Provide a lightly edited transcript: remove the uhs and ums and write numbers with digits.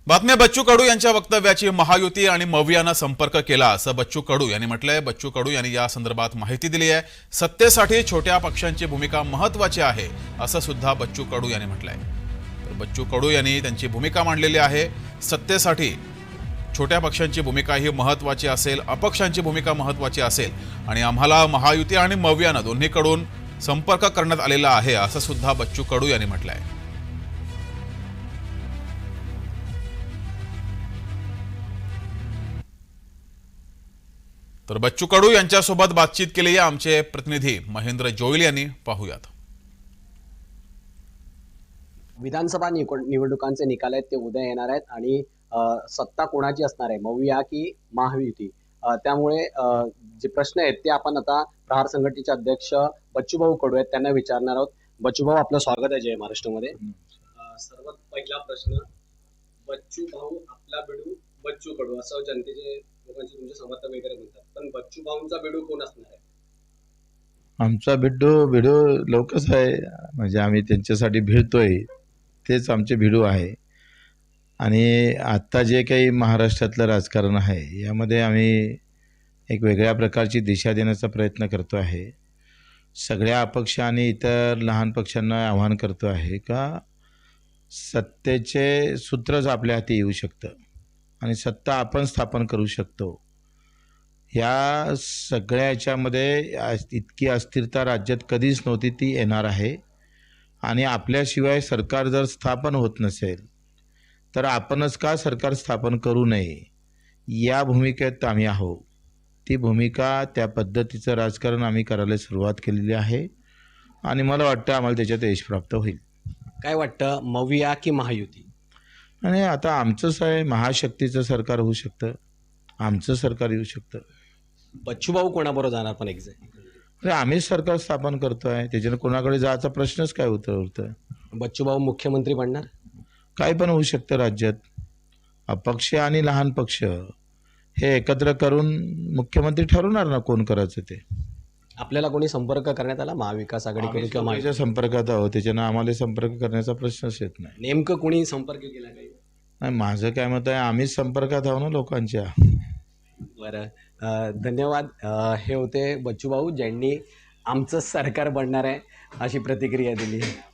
बातम्या बच्चू कडू यांच्या वक्तव्याची महायुती आणि मवियानं संपर्क केला असं बच्चू कडू यांनी म्हटलंय। बच्चू कडू यांनी या संदर्भात माहिती दिली आहे। सत्तेसाठी छोट्या पक्षांची भूमिका महत्त्वाची आहे असं सुद्धा बच्चू कडू यांनी म्हटलंय। तर बच्चू कडू यांनी त्यांची भूमिका मांडलेली आहे। सत्तेसाठी छोट्या पक्षांची भूमिका ही महत्त्वाची असेल, अपक्षांची भूमिका महत्त्वाची असेल आणि आम्हाला महायुती आणि मवियानं दोन्हीकडून संपर्क करण्यात आलेला आहे असं सुद्धा बच्चू कडू यांनी म्हटलंय। तर बच्चू कडू यांच्यासोबत बातचीत केली आहे आमचे प्रतिनिधी महेंद्र जोईल यांनी। पाहूयात। विधानसभा निवडणुकांचे निकाल आहेत ते उद्या येणार आहेत आणि सत्ता कोणाची असणार आहे, मविया की महायुती, त्यामुळे जे प्रश्न आहेत ते आपण आता प्रहार संघटनेचे अध्यक्ष बच्चूभाऊ कडू आहेत त्यांना विचारणार आहोत। बच्चूभाऊ, आपलं स्वागत आहे जय महाराष्ट्रामध्ये। सर्वात पहिला प्रश्न, बच्चूभाऊ आपला बिडू बच्चू कडू असं जनतेचे लोकांचे तुमचे समर्थक वगैरे म्हणतात, पण बच्चूभाऊंचा बिडू कोण असणार आहे? आमचा भिडू लवकरच आहे, म्हणजे आम्ही त्यांच्यासाठी भिडतोय तेच आमचे भिडू आहे। आणि आता जे काही महाराष्ट्रातलं राजकारण आहे यामध्ये आम्ही एक वेगळ्या प्रकारची दिशा देण्याचा प्रयत्न करतो आहे। सगळ्या अपक्ष आणि इतर लहान पक्षांना आवाहन करतो आहे का सत्तेचे सूत्रच आपल्या हाती येऊ शकतं आणि सत्ता आपण स्थापन करू शकतो। या सगळ्या याच्यामध्ये इतकी अस्थिरता राज्यात कधीच नव्हती, ती येणार आहे। आणि आपल्याशिवाय सरकार जर स्थापन होत नसेल तर आपणच का सरकार स्थापन करू नये या भूमिकेत आम्ही आहोत। ती भूमिका, त्या पद्धतीचं राजकारण आम्ही करायला सुरुवात केलेली आहे आणि मला वाटतं आम्हाला त्याच्यात यश प्राप्त होईल। काय वाटतं, मविया की महायुती? आणि आता आमचंच आहे, महाशक्तीचं सरकार होऊ शकतं, आमचं सरकार येऊ शकतं। बच्चूभाऊ कोणाबरोबर जाणार पण एक्झॅक्ट? अरे आम्हीच सरकार स्थापन करतो आहे, त्याच्यानं कोणाकडे जायचा प्रश्नच काय उरतं? बच्चूभाऊ मुख्यमंत्री बनणार? काय पण होऊ शकतं राज्यात। अपक्ष आणि लहान पक्ष हे एकत्र करून मुख्यमंत्री ठरवणार ना कोण करायचं ते। आपल्याला कोणी संपर्क करण्यात आला महाविकास आघाडीकडून किंवा माझ्या संपर्कात आहोत, त्याच्यानं आम्हाला संपर्क करण्याचा प्रश्नच येत नाही। नेमकं कोणी संपर्क केला काही? नाही, माझं काय मत आहे, आम्हीच संपर्कात आहो ना लोकांच्या। बरं, धन्यवाद। हे होते बच्चूभाऊ ज्यांनी आमचं सरकार बनणार आहे अशी प्रतिक्रिया दिली।